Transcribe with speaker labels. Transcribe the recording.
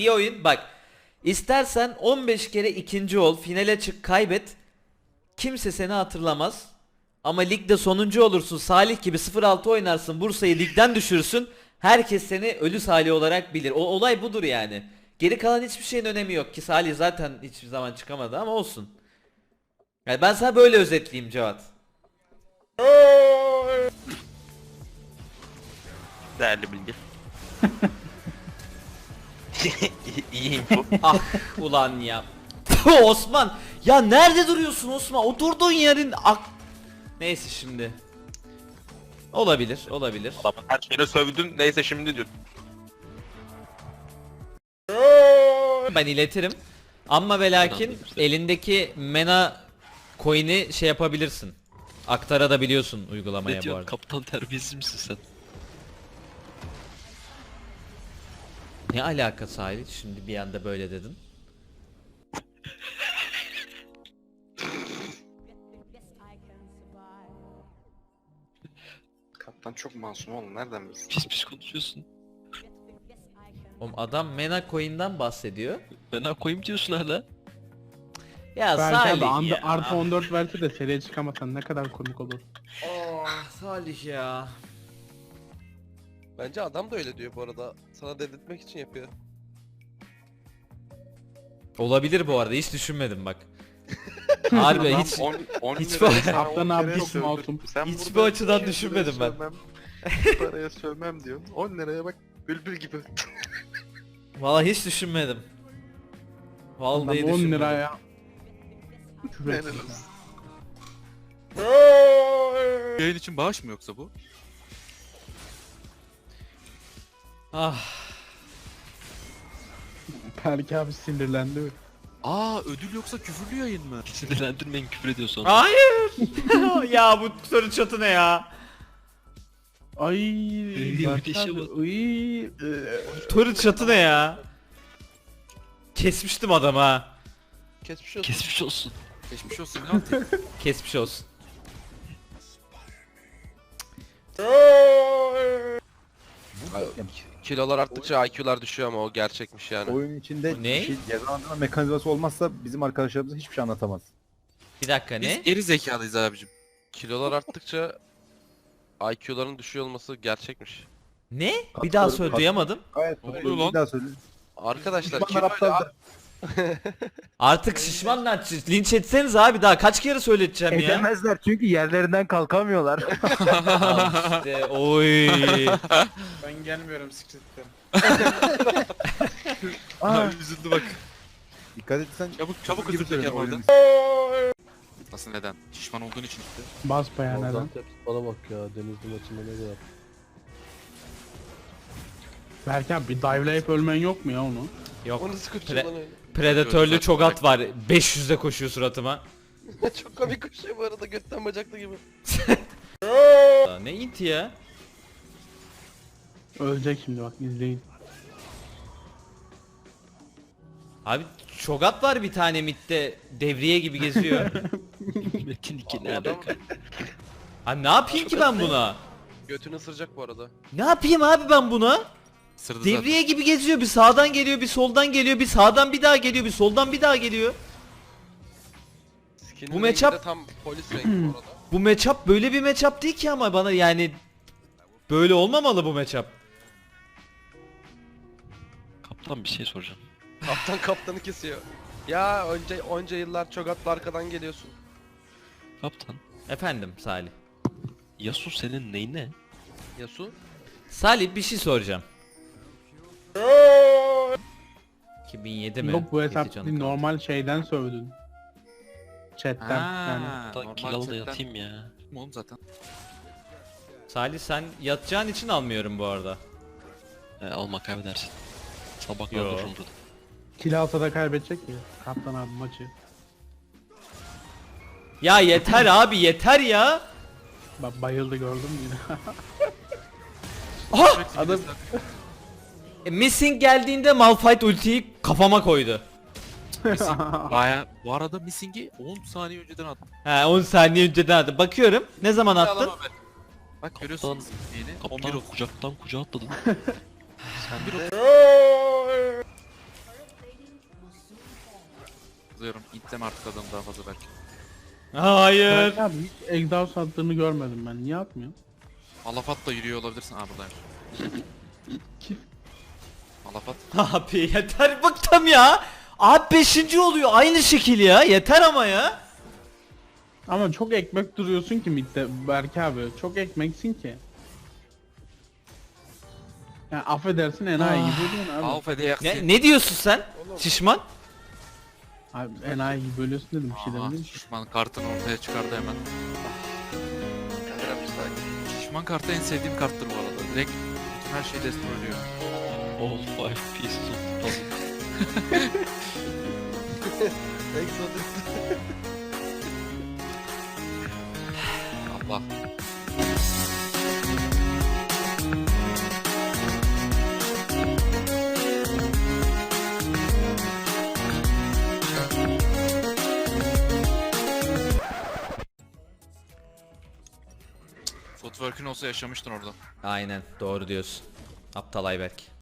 Speaker 1: Bir oyun bak. İstersen 15 kere ikinci ol, finale çık, kaybet. Kimse seni hatırlamaz. Ama ligde sonuncu olursun, Salih gibi 0-6 oynarsın, Bursa'yı ligden düşürürsün. Herkes seni ölü Salih olarak bilir. O olay budur yani. Geri kalan hiçbir şeyin önemi yok ki Salih zaten hiçbir zaman çıkamadı ama olsun. Yani ben sana böyle özetleyeyim Cevat.
Speaker 2: Değerli bilgi. İyi info.
Speaker 1: Ah ulan ya. Puh, Osman. Ya nerede duruyorsun Osman? O durduğun yerin neyse şimdi. Olabilir, olabilir.
Speaker 2: Adamın her şeyine sövdün, neyse şimdi diyor.
Speaker 1: Ben iletirim. Ama ve lakin elindeki mena coin'i şey yapabilirsin. Aktarabiliyorsun uygulamaya
Speaker 3: Ne
Speaker 1: bu
Speaker 3: diyorsun?
Speaker 1: arada.
Speaker 3: Kaptan terbiyesiz misin sen?
Speaker 1: Ne alakası Salih? Şimdi bir anda böyle dedin.
Speaker 4: Kaptan çok masum oğlum, nereden bilsin?
Speaker 3: Pis pis konuşuyorsun.
Speaker 1: Oğlum adam mena coin'den bahsediyor.
Speaker 3: Fena koyayım diyorsun hala.
Speaker 1: Ya
Speaker 5: Belki abi
Speaker 1: Salih ya.
Speaker 5: artı 14 verse de seriye çıkamasan ne kadar komik olur.
Speaker 1: Oh, Salih ya.
Speaker 6: Bence adam da öyle diyor bu arada. Sana dedirtmek için yapıyor.
Speaker 1: Olabilir bu arada, hiç düşünmedim bak. Harbi hiç
Speaker 4: 10
Speaker 1: hiç
Speaker 4: liraya
Speaker 1: var-
Speaker 4: sana
Speaker 5: Kaptan
Speaker 4: 10
Speaker 5: abi
Speaker 4: kere
Speaker 5: çok
Speaker 4: sövdüm.
Speaker 5: masum.
Speaker 4: Sen
Speaker 1: Hiçbir
Speaker 4: burada
Speaker 1: açıdan
Speaker 4: 2
Speaker 1: düşünmedim
Speaker 4: liraya
Speaker 1: ben.
Speaker 4: sövmem, bu paraya sövmem diyorsun. 10 liraya bak, bülbül gibi.
Speaker 1: Vallahi hiç düşünmedim. Vallahi
Speaker 5: Adam 10
Speaker 1: düşünmedim.
Speaker 5: liraya. Küfür
Speaker 4: Helal
Speaker 5: etmiş
Speaker 4: olsun.
Speaker 5: ya.
Speaker 7: Yayın için bağış mı yoksa bu?
Speaker 1: Ah.
Speaker 5: Belki abi sinirlendi.
Speaker 7: Aa, ödül yoksa küfürlü yayın mı?
Speaker 3: Sinirlendirmeyin, küfür ediyor sonra.
Speaker 1: Hayır. ya bu soru çatı ne ya?
Speaker 5: Ay.
Speaker 3: bir de şey var.
Speaker 1: Soru çatı ne ya? Kesmiştim adamı ha.
Speaker 6: Geçmiş olsun.
Speaker 3: Kesmiş olsun.
Speaker 7: Geçmiş olsun ne yapayım?
Speaker 1: Kesmiş olsun.
Speaker 6: Kilolar arttıkça IQ'lar düşüyor ama o gerçekmiş yani.
Speaker 8: Oyun içinde
Speaker 1: Ne?
Speaker 8: bir şey cezalandırma mekanizması olmazsa bizim arkadaşlarımız hiçbir şey anlatamaz.
Speaker 1: Bir dakika
Speaker 7: Biz
Speaker 1: ne?
Speaker 7: geri zekalıyız abicim.
Speaker 6: Kilolar arttıkça IQ'ların düşüyor olması gerçekmiş.
Speaker 1: Ne? Bir daha söyle, duyamadım.
Speaker 8: Gayet
Speaker 7: Ne
Speaker 8: doğru.
Speaker 7: oluyor lan?
Speaker 8: Bir daha söyle.
Speaker 6: Arkadaşlar
Speaker 8: Düşmanlar
Speaker 6: kiloyla
Speaker 8: aptaldır.
Speaker 1: Artık şişmanlar linç etseniz abi, daha kaç kere söyleteceğim ya?
Speaker 8: Edemezler çünkü yerlerinden kalkamıyorlar.
Speaker 1: Al işte, oy.
Speaker 4: Ben gelmiyorum sikretten.
Speaker 7: Abi üzüldü bak.
Speaker 8: Dikkat etsen
Speaker 7: Çabuk
Speaker 8: gibi
Speaker 7: özür dilerim
Speaker 8: söylüyorum,
Speaker 7: orada.
Speaker 8: oyunun
Speaker 7: Nasıl neden? Şişman olduğun için işte.
Speaker 5: Bas bayağı neden.
Speaker 9: Bana bak ya, Denizli maçında ne kadar.
Speaker 5: Belki abi bir dive'layıp ölmen yok mu ya onu?
Speaker 1: Yok.
Speaker 6: o nasıl kaçıyor lan öyle?
Speaker 1: Predatörlü çok at var. 500'de koşuyor suratıma.
Speaker 6: Çok komik koşuyor bu arada, götten bacaklı gibi.
Speaker 1: Ne inti ya?
Speaker 5: Ölecek şimdi bak, izleyin.
Speaker 1: Abi çogat var bir tane midde, devriye gibi geziyor.
Speaker 3: Metin 2 ne
Speaker 6: Adam
Speaker 3: alaka?
Speaker 1: Abi ne yapayım ki ben buna?
Speaker 6: götünü ısıracak bu arada.
Speaker 1: Ne yapayım abi ben buna?
Speaker 7: Sırdı zaten.
Speaker 1: Devriye gibi geziyor, bir sağdan geliyor, bir soldan geliyor, bir sağdan bir daha geliyor, bir soldan bir daha geliyor.
Speaker 6: Skin'in
Speaker 1: Bu
Speaker 6: rengi
Speaker 1: matchup-
Speaker 6: de tam polis rengi bu arada.
Speaker 1: Bu matchup böyle bir matchup değil ki ama bana yani böyle olmamalı bu matchup.
Speaker 3: Kaptan bir şey soracağım.
Speaker 6: Kaptan kaptanı kesiyor. Ya onca yıllar çok atlı arkadan geliyorsun.
Speaker 3: Kaptan,
Speaker 1: Efendim Salih.
Speaker 3: Yasuo senin neyine?
Speaker 6: Yasu.
Speaker 1: Salih bir şey soracağım. 2007 mi?
Speaker 5: Yok bu
Speaker 1: Yedi
Speaker 5: hesap
Speaker 1: canı
Speaker 5: değil,
Speaker 1: kaldı.
Speaker 5: normal şeyden sövdün. Chatten yani.
Speaker 3: Kaptan kill al da yatayım ya.
Speaker 7: Oğlum zaten.
Speaker 1: Salih sen yatacağın için almıyorum bu arada.
Speaker 3: Alma, kaybedersin. Sabah kadar
Speaker 1: Yo.
Speaker 3: dururum burada.
Speaker 5: Kill alsa da kaybedecek ya. Kaptan abi maçı.
Speaker 1: Ya yeter abi, yeter ya.
Speaker 5: Bak bayıldı, gördün mü yine?
Speaker 1: Aha!
Speaker 5: Adam
Speaker 1: Missing geldiğinde Malphite ultiyi kafama koydu.
Speaker 7: Baya bu arada Missing'i 10 saniye önceden attım.
Speaker 1: He 10 saniye önceden attım. Bakıyorum. Ne zaman attın?
Speaker 7: Yalan haber. Bak görüyorsun
Speaker 3: Kaptan-
Speaker 7: Missing'i. 11
Speaker 3: Kaptan
Speaker 7: oldu.
Speaker 3: kucaktan kucağa atladın.
Speaker 7: katılıyorum. İtleme artık adamı daha fazla belki.
Speaker 1: Hayır.
Speaker 5: Berk abi hiç exhaust attığını görmedim ben. Niye atmıyor?
Speaker 7: Alafat da yürüyor olabilirsin. Aa buradaymış.
Speaker 5: Kim?
Speaker 7: Alafat.
Speaker 1: Abi yeter bıktım ya. Abi 5. oluyor aynı şekil ya. Yeter ama ya.
Speaker 5: Ama çok ekmek duruyorsun ki midde Berk abi. Çok ekmeksin ki. Ya affedersin enayi gibi diyorsun abi.
Speaker 7: Alfa'da yaksın.
Speaker 1: Ne diyorsun sen? Şişman?
Speaker 5: Abi enayi gibi bölüyorsun dedim bir şey
Speaker 7: Aha,
Speaker 5: demedim.
Speaker 7: şişman kartını ortaya çıkardı hemen. Şişman kartı en sevdiğim karttır bu arada. Direkt bütün her şeyi destroyluyor.
Speaker 3: All five pieces of the puzzle.
Speaker 6: Exodus.
Speaker 7: Allah. Footwork'ün olsa yaşamıştın orada.
Speaker 1: Aynen doğru diyorsun. Aptal Ayberk.